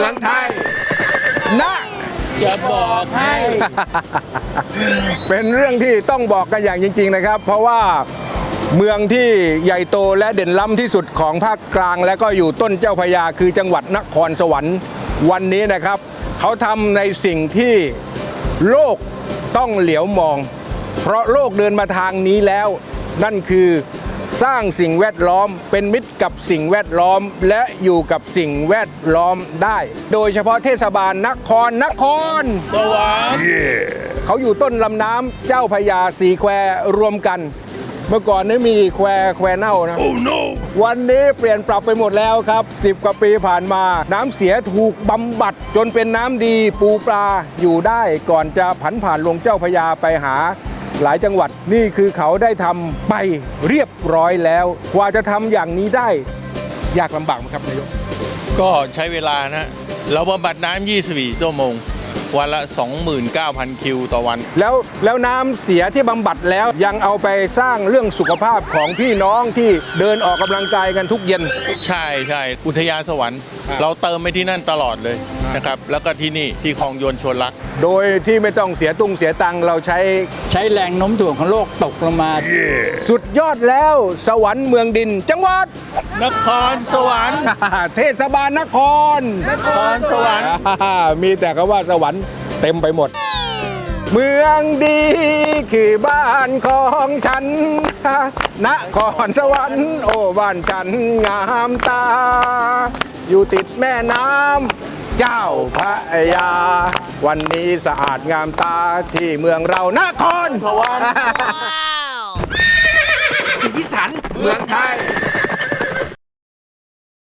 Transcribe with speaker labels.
Speaker 1: มืองไทยนะ
Speaker 2: จะบอกให้
Speaker 1: เป็นเรื่องที่ต้องบอกกันอย่างจริงๆนะครับเพราะว่าเมืองที่ใหญ่โตและเด่นล้ำที่สุดของภาคกลางและก็อยู่ต้นเจ้าพระยาคือจังหวัดนครสวรรค์วันนี้นะครับเขาทำในสิ่งที่โลกต้องเหลียวมองเพราะโลกเดินมาทางนี้แล้วนั่นคือสร้างสิ่งแวดล้อมเป็นมิตรกับสิ่งแวดล้อมและอยู่กับสิ่งแวดล้อมได้โดยเฉพาะเทศบาลนคร
Speaker 2: สวรรค์
Speaker 1: เขาอยู่ต้นลำน้ำเจ้าพระยา4 แควรวมกันเมื่อก่อนนี้มีแควเน่านะ
Speaker 2: Oh no
Speaker 1: วันนี้เปลี่ยนปรับไปหมดแล้วครับ10 กว่าปีผ่านมาน้ำเสียถูกบำบัดจนเป็นน้ำดีปูปลาอยู่ได้ก่อนจะผันผ่านลงเจ้าพระยาไปหาหลายจังหวัดนี่คือเขาได้ทำไปเรียบร้อยแล้วกว่าจะทำอย่างนี้ได้ยากลำบากไหมครับนายก
Speaker 2: ก็ใช้เวลานะเราบำบัดน้ำ24 ชั่วโมง วันละ 29,000 คิวต่อวัน
Speaker 1: แล้วน้ำเสียที่บำบัดแล้วยังเอาไปสร้างเรื่องสุขภาพของพี่น้องที่เดินออกกำลังกายกันทุกเย็น
Speaker 2: ใช่ใช่อุทยานสวรรค์ เราเติมไปที่นั่นตลอดเลยนะครับ แล้วก็ที่นี่ที่คลองโยนชวนรัก
Speaker 1: โดยที่ไม่ต้องเสียตุ้งเสียตังค์เราใช้
Speaker 3: แรงโน้มถ่วงของโลกตกลงมา
Speaker 1: สุดยอดแล้วสวรรค์เมืองดิน จังหวัด
Speaker 2: นครสวรรค์
Speaker 1: เทศบาลนคร
Speaker 2: นครสวรรค์
Speaker 1: มีแต่คำว่าสวรรค์เต็มไปหมด เมืองดีคือบ้านของฉันนครสวรรค์โอ้บ้านฉันงามตา อยู่ติดแม่น้ำเจ้าพระยา วันนี้สะอาดงามตาที่เมืองเรานครสวรรค์
Speaker 4: สีสันเมืองไทย